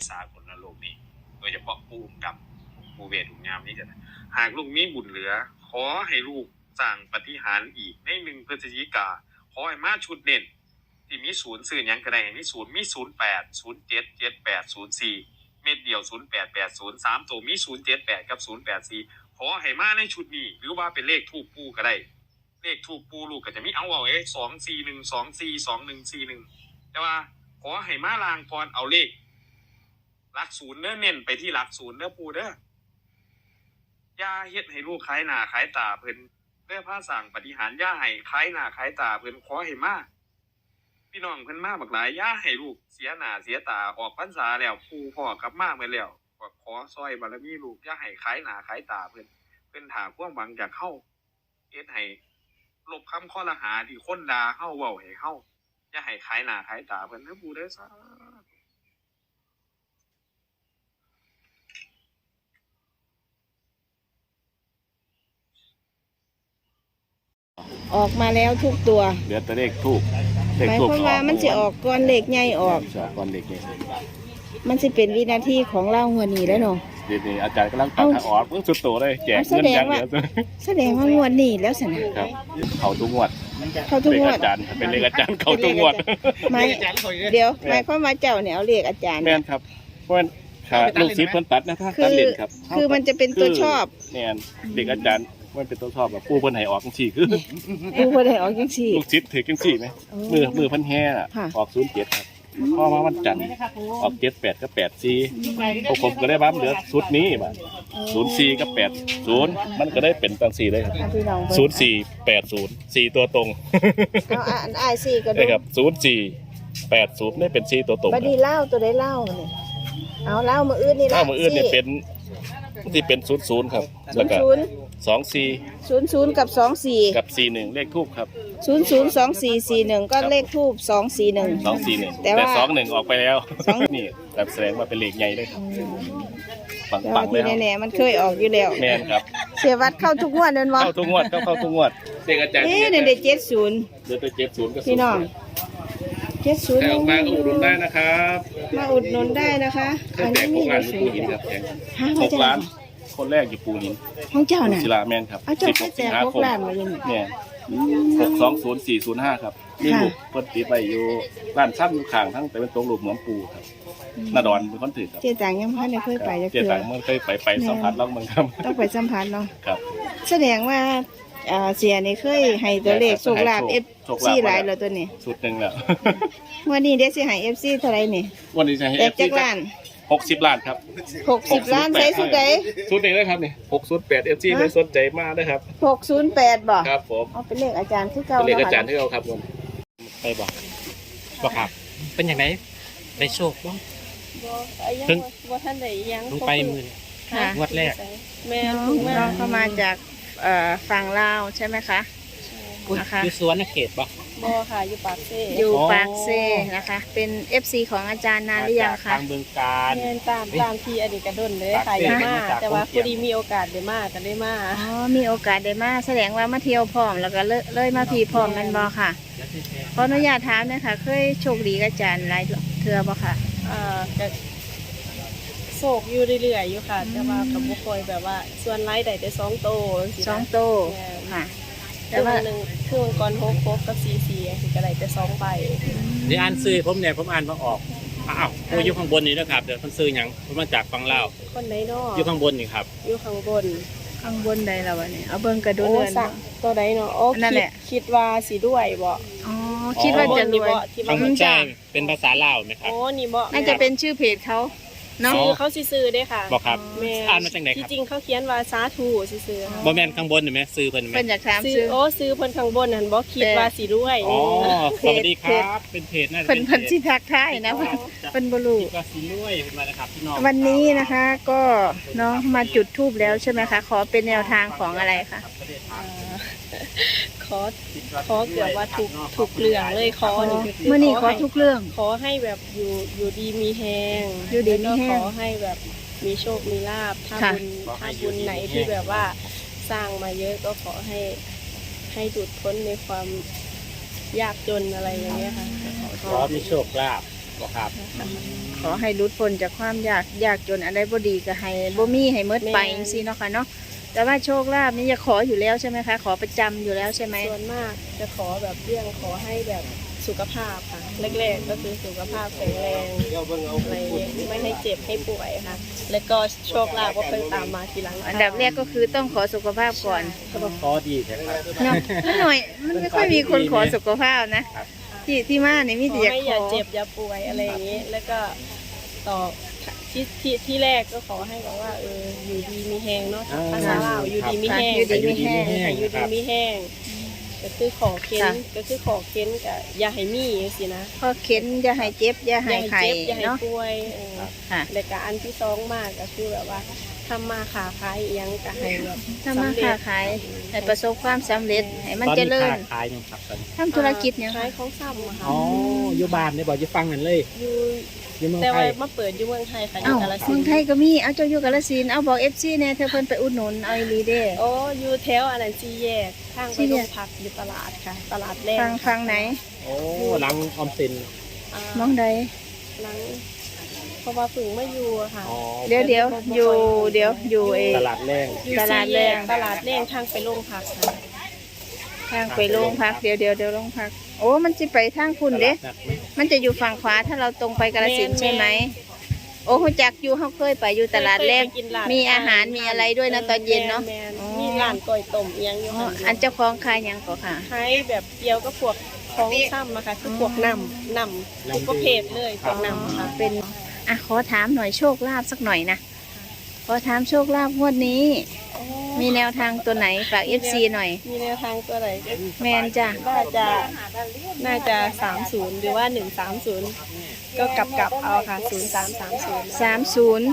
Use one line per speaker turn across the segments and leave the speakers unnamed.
สากลโลกนี้โดยเฉพาะผู้กำกับผู้เวทผู้งามนี่จะหากลูกมีบุญเหลือขอให้ลูกสร้างปาฏิหาริย์อีกใน1 พฤศจิกาขอให้มาชุดเด่นที่มีศูนย์ซื้อหยังก็ได้มี08 07 78 04เม็ดเดียว0880 3ตัวมี078กับ084ขอให้มาในชุดนี้หรือว่าเป็นเลขทูปปู่ก็ได้เลขทูปปู่ลูกก็จะมีเอา241 24 2141แต่ว่าขอให้มาลางก่อนเอาเลขหลักศูนย์เน้อเน้นไปที่หลักศูนย์เด้อปู่เด้ออย่าเฮ็ดให้ลูกขายหน้าขายตาเพิ่นเด้อพาสร้างปาฏิหาริย์อย่าให้ขายหน้าขายตาเพิ่นขอให้มาพี่น้องเพิ่นมาบักหลายอย่าให้ลูกเสียหน้าเสียตาออกพรรษาแล้วปู่พ่อกลับมาเมื่อแล้วก็ขอซอยบารมีลูกอย่าให้ขายหน้าขายตาเพิ่นถาความหวังจากเฮาเฮ็ดให้ลบคำข้อละหาที่คนด่าเฮาเว้าให้เฮาอย่าให้ขายหน้าขายตาเพิ่นเด้อปู่เด้อสา
ออกมาแล้วทุกตัว
เหลือแต่เลขทูบ
หมายความว่ามันสิออกก่อนเลขใหญ่ออก
ก่อนเลขใหญ่
มันสิเป็นวินาทีของเราหัวนี้แล้วเนาะ
เดี๋ยวนี้อาจารย์กำลังตัดทางออกเพิ่งสุดโตเลยแจกเงินอย่างเดียว
แสดงว่างวดนี้แล้วสินะครับ
เขาทุกงวด
เขาทุกงวด
อาจารย์เป็นเลขอาจารย์เขาทุกงวด
ไม่เดี๋ยวหมายความว่าเจ้าเนี่ยเอาเลขอาจารย์
แม่นครับเพราะลูกศิษย์เพิ่นตัดนะถ้าตัดเล่นครับ
คือมันจะเป็นตัวชอบ
แม่นเด็กอาจารย์มันเป็นตัวชอบแบบปู่เพิ่นให้ออกจังซี่คือ
ปู่เพิ่นให้ออกจังซี่
ลูกศิษย์ถือจังซี่มั้ยมือเพิ่นแห่น่ะออก07ครับพอมาวันจันทร์ออก78กับ84พวกผมก็ได้บ้ามเหลือชุดนี้บัด04กับ80มันก็ได้เป็นจังซี่เลยครับ0480 4ตัวตรง
เอาอ้าย4ก็ได้
ครับ0480ได้เป็น4ตัวตรง
บัดนี้เล่าตัวได้เล่านี่เอาเล่ามื้ออื่นนี่ล่ะ
มื้ออื่นนี่เป็นที่เป็น00ครับแล้วก็24
00กับ24
กับ41เลขทูปครับ
002441ก็เลขทูป241
แต่21ออกไปแล้วนี่แบบแสดงว่าเป็นเลขใหญ่เลยครับปังๆเลย
แน่ๆมันเคยออกอยู่แล้ว
แม่นครับ
เสียวัดเข้าทุกงวดนั่นบ่
เข้าทุกงวดเข้าทุกงวดเด็กอาจารย์
นี่เด็ก70
เดี๋ยว70ก็
พี่น้อง70
ออกมาอุดหนุนได้นะครับ
มาอุดหนุนได้นะคะ
อันนี้มีปูหินครับ6 ล้านคนแรกอยู่ปูหิน
ของเจ้าน่ะ
ศิลาแมนครับ
16 สิงหาคม
เนี่ย620405ครับนี่ลูกเพิ่นติดไว้อยู่ร้านซ้ำอยู่ข้างทั้งแต่เป็นตรงรูปเหมือนปูครับนาดอนเป็นคนถือครับ
เจ๊ต่างยังพันได้เคยไป
เจ๊ต่างมันเคยไปสัมผัสลองมันครับ
ต้องไปสัมผัสเนาะ
ครับ
แสดงว่าเสียนี่เคยให้ตัวเลขโชคลาภ FC หลายแล้วตัวนี้
สุดนึงแล้ว
วันนี้เดี๋ยวสิให้ FC เท่าไหร่นี่
วันนี้จะให้
FC จักล้าน
60 ล้านครับ
60 ล้านใช้สุดใด
สุดนี้เลยครับนี่608 FC เลยสนใจมากนะครับ
608บ่
ครับผม
เอาเป็นเลขอาจารย์คือเก่า
เป็นเลขอาจารย์ที่เราครับผมไปบอกครับ
เป็นอย่างไรได้โชคบ้าง
เพิ่งบ่ทันได้ยัง
ลงไปมือค่ะงวดแรก
แม่น้องเข้ามาจากฝั่งลาวใช่ไหมคะ
นะคะอยู่สวนเขตบ่
ค่ะอยู่ปากเซ่นะคะเป็น FC ของอาจารย์นานหรือยังคะ
ทางเมืองการ
ตามที่อดีตกระดนเลยค่ะยังมาแต่ว่าพอดีมีโอกาสได้มาก็ได้มามีโอกาสได้มาแสดงว่ามาเที่ยวพร้อมแล้วก็เลยมาพีพร้อมนั่นบ่ค่ะขออนุญาตถามนะคะเคยโชคดีกับอาจารย์หลายเทื่อบ่ค่ะ
ก็โศกอยู่เรื่อยๆอยู่ค่ะแต่ว่ากับบุคคลแบบว่าส่วนไล่ได้แต่2 โต
ค่ะ
แต่ว่าหนึ่งคือมังกร6กับ44สิก็ได้แต่2 ใบ
เดี๋ยวอ่านซื้อผมอ่านมาออกอ้าวโอ้อยู่ข้างบนนี่นะครับเดี๋ยวมันซื้อหยังผมมาจากฝั่งลาว
คนไหนเนาะ
อยู่ข้างบนนี่ครับ
อยู่ข้างบน
ใดล่ะวะนี่เอาเบิ่งกระดูก
สักตัวใดเนาะโอ้คิดว่าสิด้วยบ่
อ๋อคิดว่าจะรวย
ข้างบนใช่เป็นภาษาลาวมั้ยครับ
โอ้นี่บ่
น่าจะเป็นชื่อเพจเขา
เนาะเขาซื้อได้ค่ะ
บอกครับอ่านมาจากไหนครับ
จริงเขาเขียนว่าสาธุซื้อ
บ่แม่นข้างบนเห็นไหมซื้อเพิ่นไหม
เพิ่นอยากถาม
ซื้อโอ้ซื้อเพิ่นข้างบนนั่นบ่คิดว่าสิรวย
อ๋อสวัสดีครับเป็นเพจน่าจะ
เพิ่นสิทักทายนะเพิ่นบ่รู้
ว่าสิรวยเพิ่นมานะครับพี่น้อง
วันนี้นะคะก็น้องมาจุดธูปแล้วใช่ไหมคะขอเป็นแนวทางของอะไรคะ
ขอเกือบว่าถูกเรื่องเลยขอนี่
เมื่อนี้ขอทุกเรื่อง
ขอให้แบบอยู่ดีมีแฮงขอให้แบบมีโชคมีลาภถ้าบุญไหนที่แบบว่าสร้างมาเยอะก็ขอให้หลุดพ้นในความยากจนอะไรอย่างเงี้ยค่ะ
ขอมีโชคลาภบ่ครับ
ขอให้หลุดพ้นจากความยากจนอะไรบ่ดีก็ให้บ่มีให้หมดไปจังซี่เนาะค่ะเนาะแต่ว่าโชคลาภนี่จะขออยู่แล้วใช่ไหมคะขอประจำอยู่แล้วใช่ไหม
ส่วนมากจะขอแบบเรื่องขอให้แบบสุขภาพค่ะแรกๆก็คือสุขภาพแข็งแรงอะไรอย่างเงี้ยไม่ให้เจ็บให้ป่วยค่ะ แล้วก็โชคลาภก็ค่อยตามมาทีหลัง
อันดับแรกก็คือต้องขอสุขภาพก่อน
ก็ต้องขอดีใช่ครับ
เนาะมันหน่อยมันไม่ค่อยมีคนขอสุขภาพนะที่มาเนี่ยมี
ข
แต่
อ
อยาก
ให้
ข
อย่า
อ
เจ็บอย่าป่วยอะไรอย่างเงี้ยแล้วก็ต่อที่แรกก็ขอให้แบบว่าอยู่ดีมีแห้งเนาะภาษาลาวอยู่ดีมีแห้ง
อยู่ดีมีแห้ง
อยู่ดีมีแห้งก็คือขอเค้นกับอย่าให้มีสินะ
พอเข็นอย่าให้เจ็บอย่าให้ไข้
เจ็บอย่าให้
เนาะ
ป่วย
ค่ะ
แล้วก็อันที่สองมากก็คือแบบว่าทำมาขาขายอิหยังก็ให้แบบ
ถ้ามาค้าขายให้ประสบความสำเร็จให้มัน
ตอน
เจ
นี้
ริญ
ค้าขายยังครับตอนนี้
ทำธุรกิจเนี่ย
ขายของซ้ำอะค่ะ
อ๋ออยู่บ้านได้บอกอยู่ฟังกันเลย
อยู่
อยู่เมือง
แต่
ไท
ว่าย มาเปิดอยู่เมืองไทยค่ะอ
เอ้า
ยู่กาฬสิ
เมือน ง
ธุ์
ไทยก็มีเอาเจ้าอยู่กาฬสินธุ์เอาบอก FC แน่เธอเพิ่นไปอุดหนุนเอาอีหลีเด้
โอ้อยู่แถวอันนั้นจีแยกข้างไป
สี่แย
โร
ก
งพักอยู่ตลาดค่ะ ตลาดแรก
ฟังไหน
โอ้หลังออมสิน
มองใด
หลังเพราะว่าฝึงไม่อยู่อะค่ะ
อ๋อ
เดี๋ยวอยู่เอ
ตลาดแรง
อยู่
ตลาด
สี่
แร
แย
ก
กตลาดแรกทางไปโรงพักค่ะ
ทางไปโรงพักเดี๋ยวโรงพักโอ้มันสิไปทางคุณเด้
ตลาดนัดไหม
มันจะอยู่ฝั่งขวาถ้าเราตรงไปกาฬสินธุ์ใช่ไหมโอ้ฮู้จักอยู่เฮาเคยไปอยู่ตลาดแรก
เคยไปกินร้น
มีอาหารมีอะไรด้วยนะตอนเย็นเนาะ
แม่ๆ
อ๋อ
มีร้านก๋วยต้มอิหยังอยู่
อ๋อ
ค่ะ
อันเจ้าของขายหยังก็ค่ะ
ขายแบบเดียวก็พวกของซ้ำอะค่ะคือพวกน้ำทุกประเภทเลยพวกน้ำอะค่ะ
เป็นอ่ะขอถามหน่อยโชคลาภสักหน่อยนะขอถามโชคลาภงวดนี้ มีแนวทางตัวไหนฝาก FC หน่อย
มีแนวทางตัวไหน
แมนจ้ะ
น่าจะ30หรือว่า130ก็กลับเอาค่ะ0330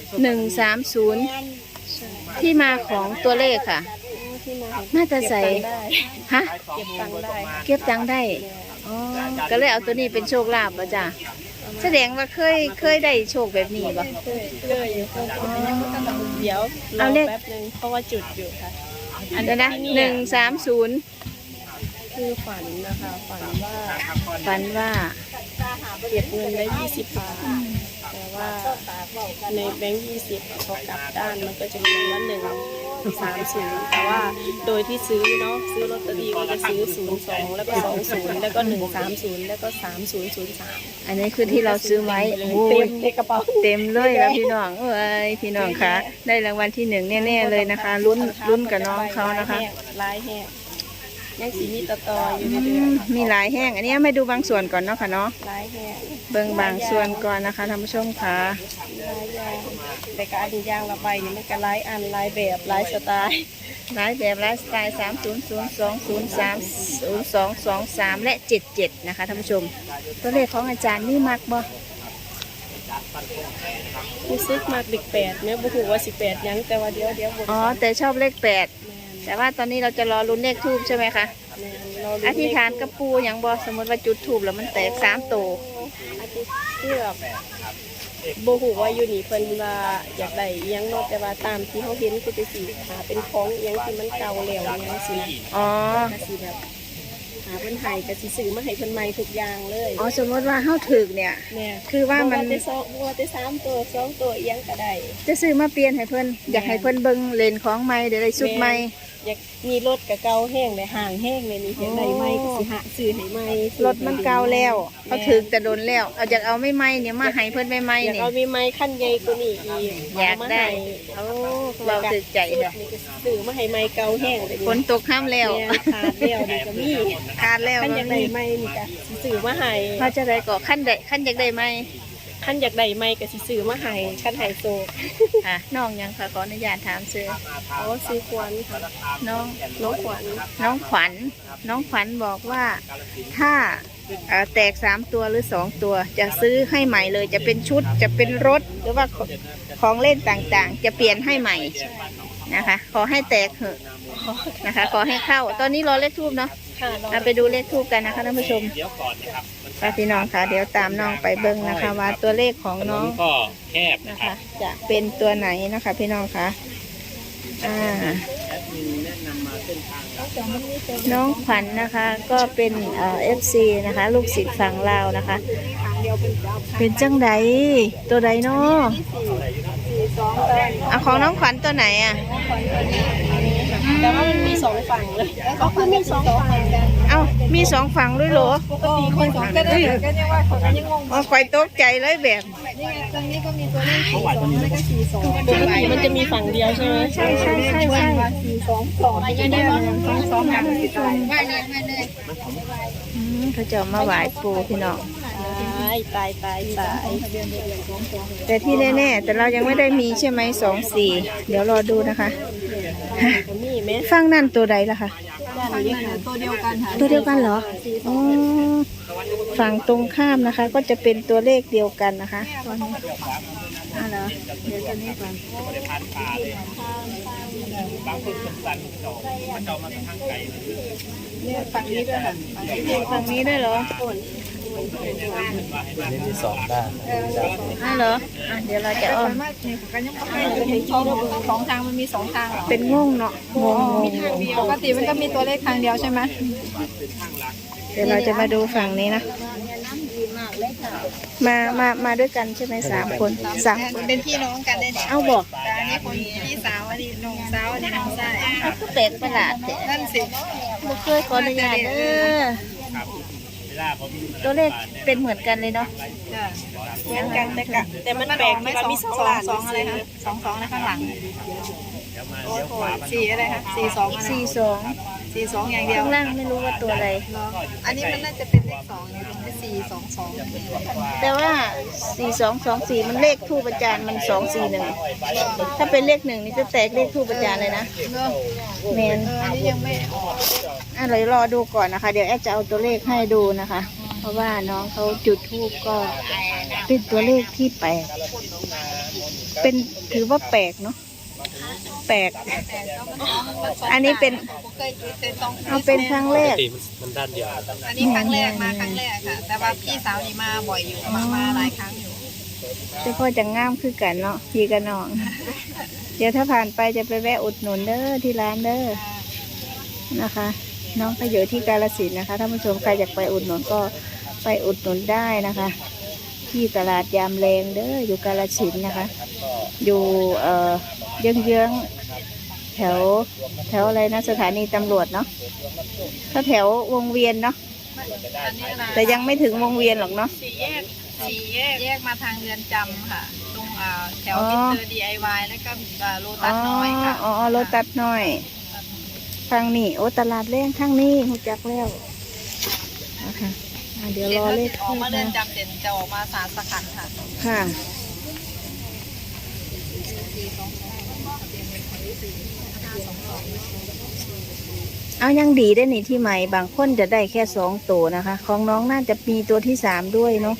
30 130 ที่มาของตัวเลขค่ะ
ที่มา
น่าจะใส่ ฮะ
เก็บตังค์ได้
เก็บตังค์ได้อ๋อก็เลยเอาตัวนี้เป็นโชคลาภป่ะจ้ะแสดงว่าเคยได้โชคแบบนี้ป่ะ
เคยอยู่เดี๋ยวร
เอา
อ
เลข
แป๊บนึงเพราะว่าจุดอยู่ค่ะ
อันนี้นะ
ที่เนี่ย
130
คือฝันนะคะฝันว่า
ฝันว่า
เก็บเงินได้20 บาทแต่ว่าในแบงค์20พอกลับด้านมันก็จะมีว่า130แต่ว่าโดยที่ซื้อเนาะซื้อลอตเตอรี่ก็จะซื้อ02แล้วก็20แล้วก็130แล้วก็3003
อันนี้คือที่เราซื้อไว้โอ้
เต็
ย
มในกระเป๋า
เต็มเลยแล้วพี่น้องเอ้ยพี่น้องคะได้รางวัลที่1แน่ๆเลยนะคะลุ้นกับน้องเขานะคะ
ลายแห้งยังสีมีต่ออยู่
อื
เรื่อย
มมีหลายแห้งอันนี้มาดูบางส่วนก่อนเนาะค่ะเนาะ
ๆลายแห้ง
เบิ่งบางส่วนก่อนนะคะท่านผู้ชมค่ะ
ลายยางแต่ก็อันนี้ยางละใบนี่มันก็ลายอันลายแบบลายสไตล์
หลายแบบหลายสไตล์3002030223และ77นะคะท่านผู้ชม ตัวเลขของอาจารย์นี่มักบ่
รู้สึกมากเด็ก8แม่บ่ฮู้ว่าสิ8หยังแต่ว่าเดี๋ยวบ่
อ๋อแต่ชอบเลข8แต่ว่าตอนนี้เราจะรอลุ้นเลขทูบใช่ไหมคะ
เรา
อธิษฐานกับปูอย่างบ่สมมติว่าจุดทูบแล้วมันแตก3ตัว
อธิษคือแบบบ่ฮู้ว่าอยู่นี่เพิ่นว่าอยากได้อิหยังเนาะแต่ว่าตามที่เฮาเห็นคือจะสิหาเป็นของอิหยังที่มันเก่าแล้วอิหยังสินะ
อ๋อ
ก็สิแบบหาเพิ่นให้ก็สิซื้อมาให้เพิ่นใหม่ทุกอย่างเลย
อ๋อสมมติว่าเฮาถึกเนี่ย
แม่
คือว่ามัน
บ่ว่าแต่3ตัว2ตัวอิหยังก็ได้
จะซื้อมาเปลี่ยนให้เพิ่นอยากให้เพิ่นเบิ่งเลนของใหม่เดี๋ยวได้ชุดใหม่
อยากมีรถกับเก่าแห้งเลยห่างแห้งเลยนี่อยากได้ใหม่ก็สิหาซื้อให้ใหม่
รถมันเก่าแล้วเขาถึกแต่โดนแล้วเอาอยากเอาไม่ใหม่เนี่ยมาให้เพิ่นใหม่
อยาก
ๆนี่
เอามีไม้ขั้นใหญ่กว่านี้อีก
อยากได้
เอา
เราถึกใจ
เล
เลย ย
นี่ก็ซื้อมาให้ไม้เก่าแห้งเลย
ฝนตกห้ามแล้ว
เนี่ยขาดแล้วนี่ก็มี
ขาดแล้ว
ขั้นอยากได้ไม้นี่ก็สิซื้อมาให้
เขาจะได้ก็ขั้นอยากได้ไหม
ขั้นอยากได้ไม้ก็สิซื้อมาให้ขั้นไฮโซ
ค่ะน้องยังค่ะขออนุญาตถามซื้อ
อ๋อซื้อควันค่ะ
น้อง
น้องขวัญ
น้องขวัญบอกว่าถ้าแตก3ตัวหรือ2ตัว จะซื้อให้ใหม่เลยจะเป็นชุดจะเป็นรถหรือว่าของเล่นต่างๆ จะเปลี่ยนให้ใหม่นะคะ ขอให้แตกเถอะนะคะ ขอให้เข้า ตอนนี้รอเลขทูบเนาะ
ค่ะน้อง
เราไปดูเลขทูบกันนะคะท่านผู้ชม
เดี๋ยวก่อนนะครับ
ค่ะพี่น้องค่ะเดี๋ยวตามน้องไปเบิ้งนะคะ ว่าตัวเลขของ
ถน
น้อน ง
ก็แคบนะ
นะ
ครั
คะ
บ
จะเป็นตัวไหนนะคะ พี่น้องคะน้องขวัญนะคะก็เป็นFC นะคะ ลูกศิษย์ฝั่งลาวนะคะเป็นจังไดตัวใดเนาะอ่ะของน้องขวัญตัวไหนอ่ะ
แต่ว่ามันมีสองฝั่งเลยก็คือมีสองฝั่งกัน
เอ้ามีสองฝั่งด้วยเหรอ
ปกติคนสองก็ได้ก็ยังว่าคนยังงง
อ๋อคอยตกใจเลยแบบ
นี่ไงตรงนี้ก็มีตัวเลข42แล้วก็42ปกติมันจะมีฝั่งเดียวใช่ไหมใช่422ยังได้บ้าง22กันว่าเนี่ยมาเลย
เขาจะมาไหว้ปู่พี่น้อง
ตาย
แต่ที่แน่ๆแต่เรายังไม่ได้มีใช่ไหม24เดี๋ยวรอดูนะคะ
มีไหม
ฟังนั่นตัวใดล่ะคะ
ตัวเดียวกันค่ะ
ตัวเดียวกันเหรออ๋อฝั่งตรงข้ามนะคะ ก็จะเป็นตัวเลขเดียวกันนะคะเหรอเดี๋ยวจะนี่ก่อน
บางคนสันๆจอกมันจอกมาทางไกล
เนี่ยฝั่งนี้ด้วยค่ะ
ฝั่งนี้ด้วยเหรอ
เลขที่สองได้
เหรออ่ะเดี๋ยวเราจะอ้อม
กันยังไม่เห็นช่องสองทางมันมีสองทางเหรอ
เป็นงงเนาะงง
ปกติมันก็มีตัวเลขทางเดียวใช่ไหม
เดี๋ยวเราจะมาดูฝั่งนี้นะมาด้วยกันใช่ไหม3 คน3
เป็นพี่น้องกันได้เนี่ย
เอาบอก
แต่อันนี้คนพี่สาวอันนี้น้องสาวอันนี้น้องชาย
เอาก็แปลกประหลาดแต่
นั่นสิ
บ่เคยขออนุญาตเด้อตัวเลขเป็นเหมือนกันเลยเนาะ
เหมือนกันแต่มันแปลกที่ว่ามีสองอะไรคะ22ในข้างหลังโอ้โห4อะไรคะ42อะไร
42
42อย่างเดียว
ข้างล่างไม่รู้ว่าตัวอะไร
อันนี้มันน่าจะเป็นเลข2เนี่ยเป็น422
แต่ว่า4224มันเลขทูปอาจารย์มัน241ถ้าเป็นเลข1นี่จะแตกเลขทูปอาจารย์เลยนะแมน
อันนี้ยังไม่ออก
เรารอดูก่อนนะคะ เดี๋ยวแอดจะเอาตัวเลขให้ดูนะคะ เพราะว่าน้องเขาจุดทูปก็เป็นตัวเลขที่แปลกเป็นถือว่าแปลกเนาะแปลกอันนี้เป็น
เคยจุดแต่ต้อง
เอาเป็นครั้งแรก
มันด้านเดียว
อันนี้ครั้งแรกมาครั้งแรกค่ะ แต่ว่าพี่สาวนี่มาบ่อยอยู่มาหลายครั้งอยู่
แต่พ่อจะง่ามคือกันเนาะพี่กับน้อง เดี๋ยวถ้าผ่านไปจะไปแวะอุดหนุนเด้อที่ร้านเด้อนะคะ น้องก็อยู่ที่กาฬสินธุ์นะคะท่านผู้ชมใครอยากไปอุดหนุนก็ไปอุดหนุนได้นะคะ ที่ตลาดยามแรงเด้ออยู่กาฬสินธุ์นะคะ อยู่เยื้องๆแถวอะไรนะสถานีตำรวจเนาะถ้าแถววงเวียนเนาะแต่ยังไม่ถึงวงเวียนหรอกเนาะ
สี่แยกมาทางเรือนจำค่ะ ตรงแถวมิสเตอร์ DIY แล้วก็โลตัสน้อยค่ะ
อ๋อโลตัสน้อยทางนี้โอ้ตลาดแรงทางนี้หูจักแล้วนะคะเดี๋ยวรอเลข
ออกมาเรื
นะ
อนจำเสร็จจะออกมาศาลสขันธ์ค่ะ
ค่ะเอายังดีได้นี่ที่ใหม่บางคนจะได้แค่2 ตัวนะคะ ของน้องน่าจะมีตัวที่3ด้วยเนาะ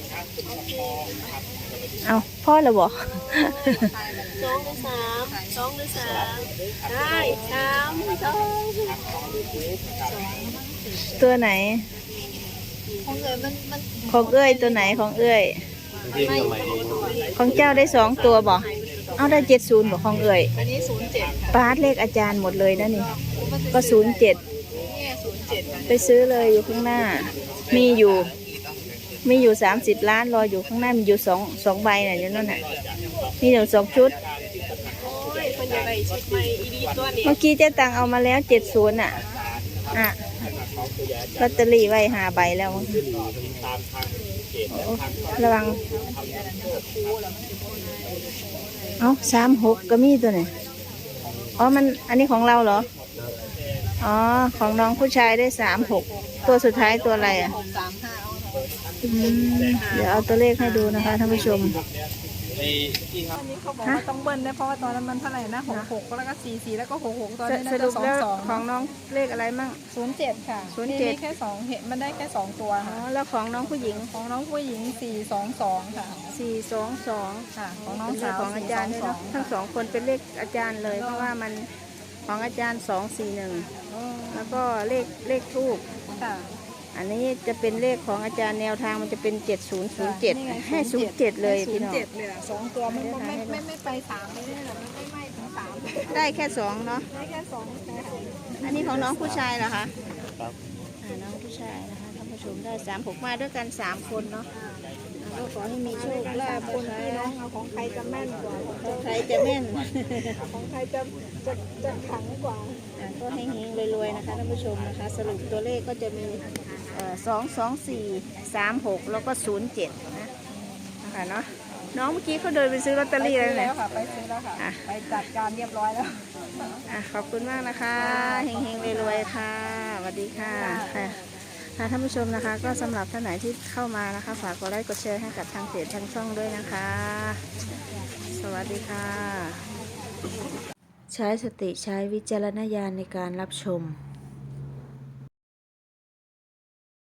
เอาพ่อเราบอก
2 หรือ 3 2 หรือ 3 ได้3 2
ตัวไหน
ของเอ๋ยมัน
ของเอ้ยตัวไหนของเอ้ยของเจ้าได้2 ตัวบอกเอาได้70บอกของเอ้ย
อันนี้07ค่ะ
ปาร์ตเลขอาจารย์หมดเลยนะนี่ก็07
เนี่ย07ค่ะ
ไปซื้อเลยอยู่ข้างหน้า มีอยู่30 ล้านรออยู่ข้างหน้ามีอยู่2ใบน่ะอยู่นั่นน่ะมีอยู่2 ชุด
โอ้ยคนจะไปชุดใหม่อีดีตัวนี้
เมื่อกี้เจ๊ตังเอามาแล้ว70อ่ะลอตเตอรี่ไว้5 ใบแล้วระวังเอา36ก็มีตัวไหนอ๋อมันอันนี้ของเราเหรออ๋อของน้องผู้ชายได้36ตัวสุดท้ายตัวอะไรอ่ะ เดี๋ยวเอาตัวเลขให้ดูนะคะท่านผู้ชม
อันนี้เขาบอกว่าต้องเบิ้ลได้เพราะว่าตอนนั้นมันเท่าไหร่นะ66แล้วก็44แล้วก็66ตอนนี้น่า
ส
จะ
รุปแล้วข
22
องน้องเลขอะไรมั่ง
07ค่ะ
07
มีแค่2เห็นมันได้แค่2ตัว
อ๋อ
ค่ะ
แล้วของน้องผู้หญิง
ของน้องผู้หญิง422ค่ะ
422
ค่ะของน้อง
เป็นเล
สา
ข
ว
ของอาจารย์ด้วยเนอะทั้ง2 คนเป็นเลขอาจารย์เลย เพราะว่ามันของอาจารย์241แล้วก็เลขทูบ
ค่ะ
อันนี้จะเป็นเลขของอาจารย์แนวทางมันจะเป็น7007ให้07เลยพี่น้อง
07เลยอ่ะ2ตัวมันไม่ไป3ไม่ได้หรอไม่ถึง3
ได้แค่2เนาะ
ได้แค่2ค่ะ
อันนี้ของน้องผู้ชายเหรอคะน้องผู้ชายนะคะท่านผู้ชมได้36มาด้วยกัน3 คนเนาะก็ขอให้มีโชคลาภ
คนพี่น้องเอาของใครจะแม่นกว่า
ของใครจะแม่น
ของใครจะขังกว่า
ก็ให้เฮงๆรวยๆนะคะท่านผู้ชมนะคะ สรุปตัวเลขก็จะมี22436แล้วก็07นะคะเนาะน้องเมื่อกี้เขาเดินไปซื้อลอตเตอรี่แล้ว
แล้
เนี่
วย ค่ะไปซื้อแล้วค่ะไปจัดการเรียบร้อยแล้ว
ขอบคุณมากนะคะเฮงๆรวยๆค่ะสวัสดีค่ะค่ะท่านผู้ชมนะคะ ก็สำหรับท่านไหนที่เข้ามานะคะฝากกดไลค์กดแชร์ให้กับทางเพจทางช่องด้วยนะคะ สวัสดีค่ะ ใช้สติใช้วิจารณญาณในการรับชม